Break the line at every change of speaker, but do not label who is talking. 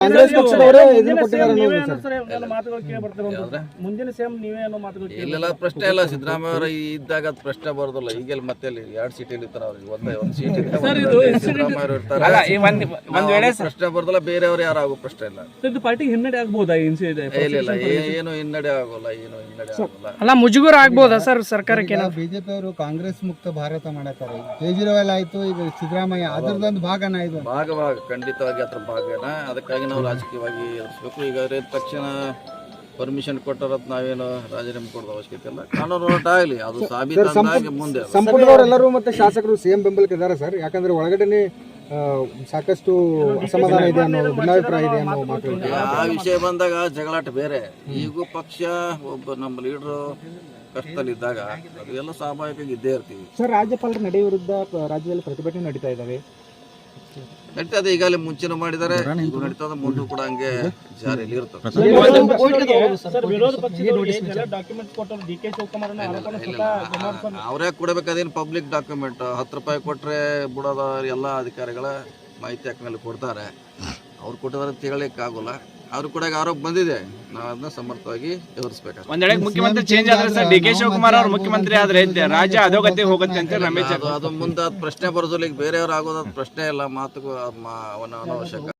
ಕಾಂಗ್ರೆಸ್ ಪಕ್ಷದವರೇ ಇದನ್ನ ಕೊಟ್ಟಿದ್ದಾರೆ
ಇಲ್ಲೆಲ್ಲ ಪ್ರಶ್ನೆ ಇಲ್ಲ. ಸಿದ್ದರಾಮಯ್ಯ ಅವರು ಇದ್ದಾಗ ಅದು ಪ್ರಶ್ನೆ ಬರೋದಿಲ್ಲ. ಈಗೆಲ್ಲ ಮತ್ತೆ 2 ಸೀಟಲ್ಲಿ ಇರ್ತಾರೆ ಅವ್ರಿಗೆ. ಒಂದು ಸೀಟ್ ಸಿದ್ದರಾಮಯ್ಯ ಅವರು ಇರ್ತಾರೆ, ಪ್ರಶ್ನೆ ಬರೋದಿಲ್ಲ. ಬೇರೆಯವರು ಯಾರು ಆಗೋ ಪ್ರಶ್ನೆ ಇಲ್ಲ.
ಪಾರ್ಟಿ ಹಿನ್ನಡೆ ಆಗ್ಬೋದಾ?
ಇಲ್ಲ, ಏನು ಹಿನ್ನಡೆ ಆಗೋಲ್ಲ, ಏನು ಹಿನ್ನಡೆ ಆಗೋಲ್ಲ.
ಅಲ್ಲ, ಮುಜುಗರ ಆಗ್ಬೋದಾ ಸರ್ ಸರ್ಕಾರಕ್ಕೆ?
ಬಿಜೆಪಿ ಅವರು ಕಾಂಗ್ರೆಸ್ ಮುಕ್ತ ಭಾರತ ಮಾಡತಾರೆ. ಕೇಜ್ರಿವಾಲ್ ಆಯ್ತು, ಈಗ ಸಿದ್ದರಾಮಯ್ಯ ಅದರದೊಂದು ಭಾಗನ ಇದು.
ಭಾಗ ಖಂಡಿತವಾಗಿ ಅದ್ರ ಭಾಗನ. ಅದಕ್ಕಾಗಿ ನಾವು ರಾಜಕೀಯವಾಗಿ ಎದುರಿಸಬೇಕು. ಈಗ ತಕ್ಷಣ ಪರ್ಮಿಷನ್ ಕೊಟ್ಟರತ್ ನಾವೇನು ರಾಜೀನಾಮೆ ಕೊಡೋದು ಅವಶ್ಯಕತೆ ಇಲ್ಲ. ಕಾನೂನು ಹೋರಾಟ ಆಗಲಿ, ಅದು ಸಾಬೀತಾಗಿ ಮುಂದೆ.
ಸಂಪುಟದವರೆಲ್ಲರೂ ಮತ್ತೆ ಶಾಸಕರು ಸಿಎಂ ಬೆಂಬಲಕ್ಕೆ ಇದ್ದಾರೆ ಸರ್. ಯಾಕಂದ್ರೆ ಒಳಗಡೆ ಸಾಕಷ್ಟು ಅಸಮಾಧಾನ ಇದೆ ಅನ್ನೋ ಭಿನ್ನಾಭಿಪ್ರಾಯ ಇದೆ ಅನ್ನೋ ಮಾತು.
ಆ ವಿಷಯ ಬಂದಾಗ ಜಗಳಾಟ ಬೇರೆ. ಈಗೂ ಪಕ್ಷ ಒಬ್ಬ ನಮ್ಮ ಲೀಡರು ಕಷ್ಟದಲ್ಲಿದ್ದಾಗ ಅದು ಎಲ್ಲ ಸ್ವಾಭಾವಿಕವಾಗಿ ಇದ್ದೇ ಇರ್ತೀವಿ
ಸರ್. ರಾಜ್ಯಪಾಲರ ನಡೆ ವಿರುದ್ಧ ರಾಜ್ಯದಲ್ಲಿ ಪ್ರತಿಭಟನೆ ನಡೀತಾ ಇದ್ದಾವೆ.
ನಡೀತದೆ. ಈಗಾಗಲೇ ಮುಂಚೆನೂ ಮಾಡಿದ್ದಾರೆ, ಈಗ ನಡೀತದೆ, ಮುಂದೂ ಕೂಡ ಹಂಗೆ ಜಾರಿಯಲ್ಲಿ ಇರ್ತದೆ. ಅವರೇ ಕೊಡಬೇಕಾದೇನು ಪಬ್ಲಿಕ್ ಡಾಕ್ಯುಮೆಂಟ್. 10 ರೂಪಾಯಿ ಕೊಟ್ರೆ ಬಿಡೋದ ಎಲ್ಲ ಅಧಿಕಾರಿಗಳ ಮಾಹಿತಿ ಹಾಕಿನಲ್ಲಿ ಕೊಡ್ತಾರೆ. ಅವ್ರು ಕೊಟ್ಟಿದ್ದಾರೆ ತಿಳಲಿಕ್ಕೆ ಆಗೋಲ್ಲ. ಅವ್ರು ಕೂಡ ಆರೋಪ ಬಂದಿದೆ, ನಾವು ಅದನ್ನ ಸಮರ್ಥವಾಗಿ ಎದುರಿಸಬೇಕು.
ಒಂದ್ ವೇಳೆ ಮುಖ್ಯಮಂತ್ರಿ ಚೇಂಜ್ ಆದ್ರೆ ಸರ್, ಡಿ.ಕೆ. ಶಿವಕುಮಾರ್ ಅವರು ಮುಖ್ಯಮಂತ್ರಿ ಆದ್ರೆ ರಾಜ್ಯ ಅಧೋಗತಿ ಹೋಗುತ್ತೆ ಅಂತ ರಮೇಶ್
ಅದು ಮುಂದೆ ಪ್ರಶ್ನೆ ಬರೋದಿಲ್ಲ. ಈಗ ಬೇರೆಯವ್ರು ಆಗೋದ್ ಪ್ರಶ್ನೆ ಇಲ್ಲ. ಮಾತುಗೂ ಅನವಶ್ಯಕ.